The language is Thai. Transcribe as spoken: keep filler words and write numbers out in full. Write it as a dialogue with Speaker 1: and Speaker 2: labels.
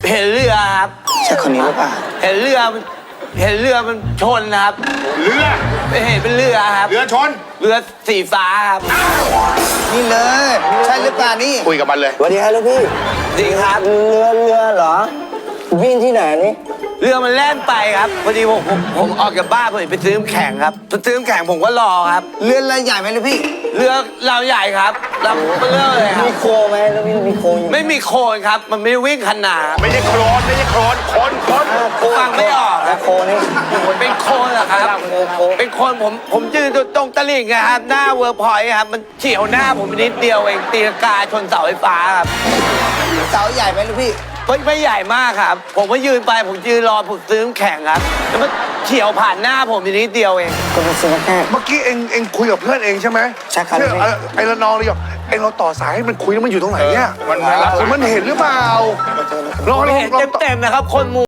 Speaker 1: เห็นเรือครับ
Speaker 2: ใช่คนนี้หรือเปล่า
Speaker 1: เห็นเรือมันเห็นเรือมันชนนะครับ
Speaker 3: เรือ
Speaker 1: ไม่เห็นเป็นเรือครับ
Speaker 3: เรือชน
Speaker 1: เรือสีฟ้าครับ
Speaker 2: นี่เลยใช่หรือเปล่านี่
Speaker 3: คุยกับมันเลย
Speaker 4: สวัสดีครับลูกพี่
Speaker 1: จริงครับ
Speaker 4: เรือเรือเหรอวิ่งที่ไหนนี่
Speaker 1: เรือมันแล่นไปครับพอดีผมผมผมออกจากบ้านผมไปซื้อน้ำแข็งครับไปซื้อน้ำแข็งผมก็รอครับ
Speaker 2: เรือนลายใหญ่ไหมลูกพี่
Speaker 1: เรือลำใหญ่ครับลำเบลอเลยครับ
Speaker 4: มีโคไหมแล้วพี่มีโคอยู่
Speaker 1: ไม่มีโคนครับ มันไม่วิ่งขนาด
Speaker 3: ไม่ใช่โคลนไม่ใช่โคลนคนคน
Speaker 4: อ่าโค
Speaker 1: ฟังไม่ออกครับ
Speaker 4: โคนี่
Speaker 1: ผมเป็นโคนเหรอครับ
Speaker 4: เออโค
Speaker 1: เป็นโคนผมผมยืนตรงตลิ่งอะครับหน้าเวิร์กพอยต์ครับมันเฉียวหน้าผมไปนิดเดียวเองตีลังกาชนเสาไฟฟ้าครับ
Speaker 2: เสาใหญ่ไหมลูกพี่
Speaker 1: ไม่ไม่ใหญ่มากครับ ผมก็ยืนไปผมยืนรอผมซื้อน้ำแข็งครับแล้วมันเฉียวผ่านหน้าผมไปนิดเดียวเอง
Speaker 4: ก็เป็นซื้อแค่
Speaker 5: เมื่อกี้เองเองคุยกับเพื่อนเองใช่ไหม
Speaker 4: ใช่ครับ
Speaker 5: เออไอ้ละนองเลยอ่ะเองเราต่อสายให้มันคุยแล้วมันอยู่ตรงไหนเนี่ย
Speaker 3: มันมันรับ
Speaker 5: มันเห็นหรือเปล่าลอง
Speaker 1: ผม
Speaker 5: ลอง
Speaker 1: เห็น
Speaker 5: ลองต่อ
Speaker 1: เต็มๆนะครับ คนมู